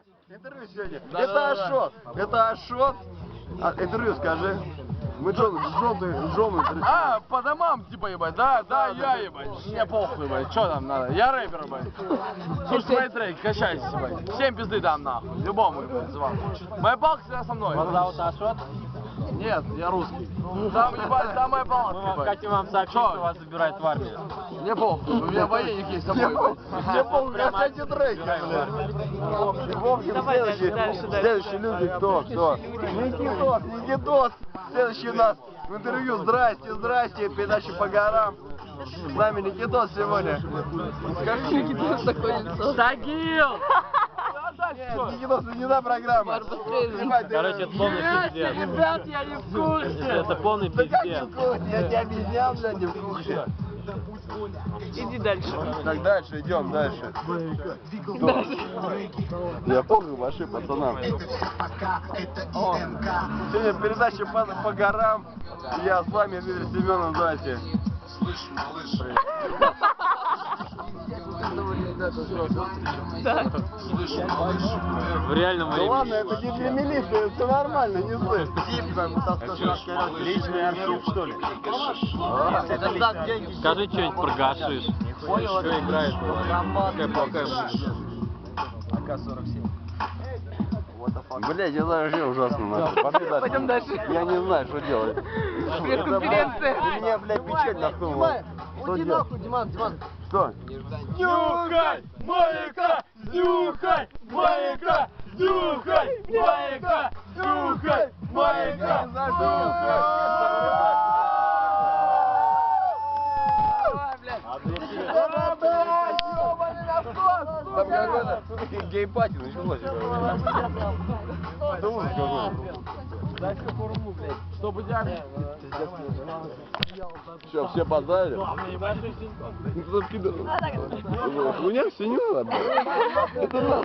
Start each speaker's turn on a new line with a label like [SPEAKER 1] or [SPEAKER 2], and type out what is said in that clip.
[SPEAKER 1] Интервью сегодня. Это Ашот. Это Ашот. Интервью скажи. Мы желтый.
[SPEAKER 2] А, по домам, типа, ебать, да, я, ебать, мне похуй, ебать, что там надо, я рэпер, ебать, слушай мои треки, качайся, ебать, всем пизды дам, нахуй, любому, ебать, звал. Моя палка всегда со мной.
[SPEAKER 3] Вас зовут Ашот?
[SPEAKER 2] Нет, я русский. Там, ебать, там моя палка,
[SPEAKER 3] Мы хотим вам сообщить, что вас забирают в армию.
[SPEAKER 2] Мне похуй, у меня военник есть с собой, ебать.
[SPEAKER 1] Мне похуй, качайте треки, блядь. Вовки, следующие люди, кто? Никитос, следующий у нас в интервью. Здрасте, передача по горам. С нами Никитос сегодня. Скажи, Никитос такое лицо.
[SPEAKER 3] Тагил!
[SPEAKER 1] Никитос, не та программа.
[SPEAKER 3] Короче, это полный пиздец.
[SPEAKER 2] Ребят, я не в курсе.
[SPEAKER 3] Это полный
[SPEAKER 1] Да как не
[SPEAKER 3] пиздец.
[SPEAKER 1] в курсе? Я тебе объяснял, блядь, не в курсе.
[SPEAKER 2] Иди дальше.
[SPEAKER 1] Так, дальше, идем дальше. Я помню ваши пацанам. Сегодня передача по горам. Я с вами, Дмитрий Семенов, здрасте.
[SPEAKER 3] В реальном
[SPEAKER 1] Ну
[SPEAKER 3] времени.
[SPEAKER 1] ладно, это не для милиции, все нормально, не слышь.
[SPEAKER 4] Личный архив, что ли?
[SPEAKER 3] Скажи что-нибудь про гашиш. Что играет? Какая плохая музыка.
[SPEAKER 4] АК-47.
[SPEAKER 1] Блядь, я знаю, что ужасно нахуй. Пойдем дальше. Я не знаю, что делать.
[SPEAKER 2] Пресс-конференция.
[SPEAKER 1] Ты меня, блядь, печать нахуй. Что делать?
[SPEAKER 4] Диман.
[SPEAKER 1] Что?
[SPEAKER 2] Нюхай, маяка, нюхай, маяка, нюхай, маяка, нюхай, маяка,
[SPEAKER 1] Там какой-то гей-пати началось. Что музыка какой-то?
[SPEAKER 2] Чтобы дядя.
[SPEAKER 1] Все, все базарили? Ну, кто пидор? У меня все не надо. Это